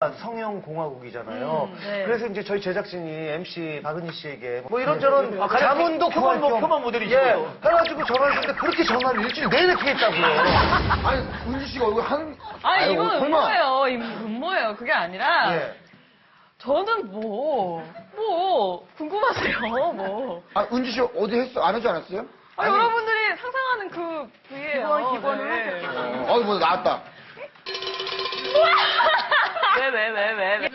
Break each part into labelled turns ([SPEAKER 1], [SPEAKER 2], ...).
[SPEAKER 1] 성형 공화국이잖아요.
[SPEAKER 2] 네.
[SPEAKER 1] 그래서 이제 저희 제작진이 MC 박은희 씨에게 뭐 이런저런 자문도
[SPEAKER 3] 표본
[SPEAKER 1] 구할 겸
[SPEAKER 3] 표본 모델이시고요.
[SPEAKER 1] 예, 해가지고 전화를 했는데 그렇게 전화를 일주일 내내 피했다고요.
[SPEAKER 4] 아니, 은지 씨가 얼굴 한.
[SPEAKER 2] 아니, 이건
[SPEAKER 4] 설마.
[SPEAKER 2] 음모예요. 음모예요. 그게 아니라.
[SPEAKER 1] 예.
[SPEAKER 2] 저는 궁금하세요, 뭐.
[SPEAKER 4] 아, 은지 씨 어디 했어? 안 하지 않았어요?
[SPEAKER 2] 아, 여러분들이 상상하는 그 부위예요.
[SPEAKER 5] 기본을
[SPEAKER 2] 네.
[SPEAKER 4] 뭐, 나왔다.
[SPEAKER 2] 왜?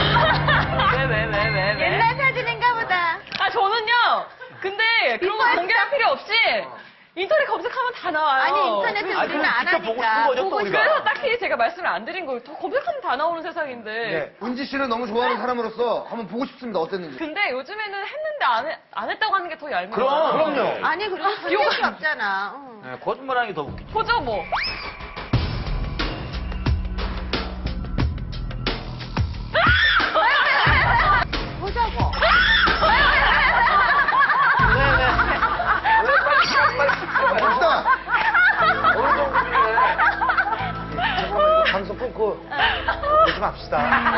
[SPEAKER 5] 옛날 사진인가 보다.
[SPEAKER 2] 아, 저는요, 근데 그런 거 공개할 필요 없이 인터넷 검색하면 다 나와요.
[SPEAKER 5] 아니, 인터넷에
[SPEAKER 3] 아니,
[SPEAKER 5] 우리는 안
[SPEAKER 3] 직접 보고 싶은
[SPEAKER 5] 하니까.
[SPEAKER 3] 거죠, 또 우리가.
[SPEAKER 2] 그래서 딱히 제가 말씀을 안 드린 거예요. 더 검색하면 다 나오는 세상인데.
[SPEAKER 1] 예.
[SPEAKER 4] 은지 씨를 너무 좋아하는 사람으로서 한번 보고 싶습니다. 어땠는지.
[SPEAKER 2] 근데 요즘에는 했는데 안 했다고 하는 게 더 얄미워요.
[SPEAKER 1] 그럼요.
[SPEAKER 5] 아니, 그리고 손댈 게 없잖아.
[SPEAKER 3] 네, 거짓말하는 게 더 웃기죠.
[SPEAKER 2] 보죠, 뭐.
[SPEAKER 5] 보자고.
[SPEAKER 4] 봅시다.
[SPEAKER 1] 방송 끊고 그러지 맙시다.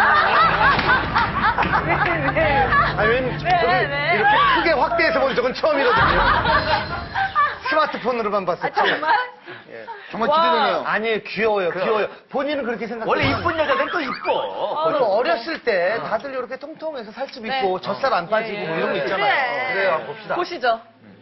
[SPEAKER 1] 아니, 왜냐면 저기
[SPEAKER 2] 왜?
[SPEAKER 1] 이렇게 크게 확대해서 본 적은 처음이거든요. 스마트폰으로만 봤었지.
[SPEAKER 2] 정말?
[SPEAKER 4] 정말 기대되네요.
[SPEAKER 1] 아니, 귀여워요, 귀여워요. 본인은 그렇게 생각해요.
[SPEAKER 3] 원래 이쁜 여자들은 또 이뻐.
[SPEAKER 1] 그리고 어렸을 때 다들 이렇게 통통해서 살집
[SPEAKER 2] 네.
[SPEAKER 1] 있고 젖살 안 빠지고 뭐 이런 거 있잖아요.
[SPEAKER 5] 그래.
[SPEAKER 1] 그래요, 한번 봅시다.
[SPEAKER 2] 보시죠.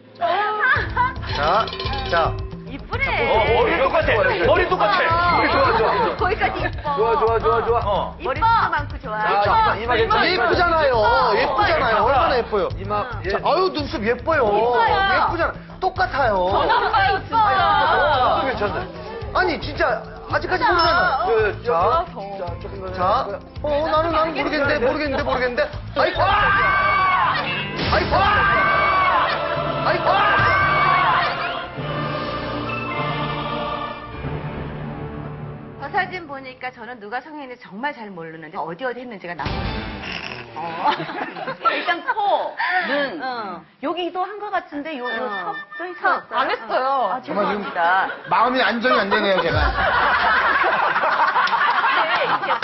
[SPEAKER 1] 자.
[SPEAKER 5] 이쁘네.
[SPEAKER 3] 머리 똑같아. 머리 똑같아. 머리 좋아.
[SPEAKER 5] 거기까지 이뻐.
[SPEAKER 3] 어.
[SPEAKER 5] 머리도 많고 좋아.
[SPEAKER 3] 이마 괜찮아.
[SPEAKER 1] 예쁘잖아요. 예쁘잖아요. 얼마나 예뻐요. 이마. 자, 아유, 눈썹 예뻐요.
[SPEAKER 5] 이뻐요.
[SPEAKER 1] 예쁘잖아. 똑같아요.
[SPEAKER 2] 정말 이뻐요.
[SPEAKER 1] 괜찮네. 아니, 진짜, 아직까지 모르잖아. 자, 자. 나는 모르겠는데. 아이고! 아이고!
[SPEAKER 5] 저 사진 보니까 저는 누가 성형인지 정말 잘 모르는데 어디 했는지가 나와요.
[SPEAKER 6] 일단 코, 눈,
[SPEAKER 5] 응.
[SPEAKER 6] 여기도 한 것 같은데 요 턱도 있었어요.
[SPEAKER 2] 안 했어요.
[SPEAKER 6] 아, 죄송합니다.
[SPEAKER 4] 마음이 안정이 안 되네요, 제가.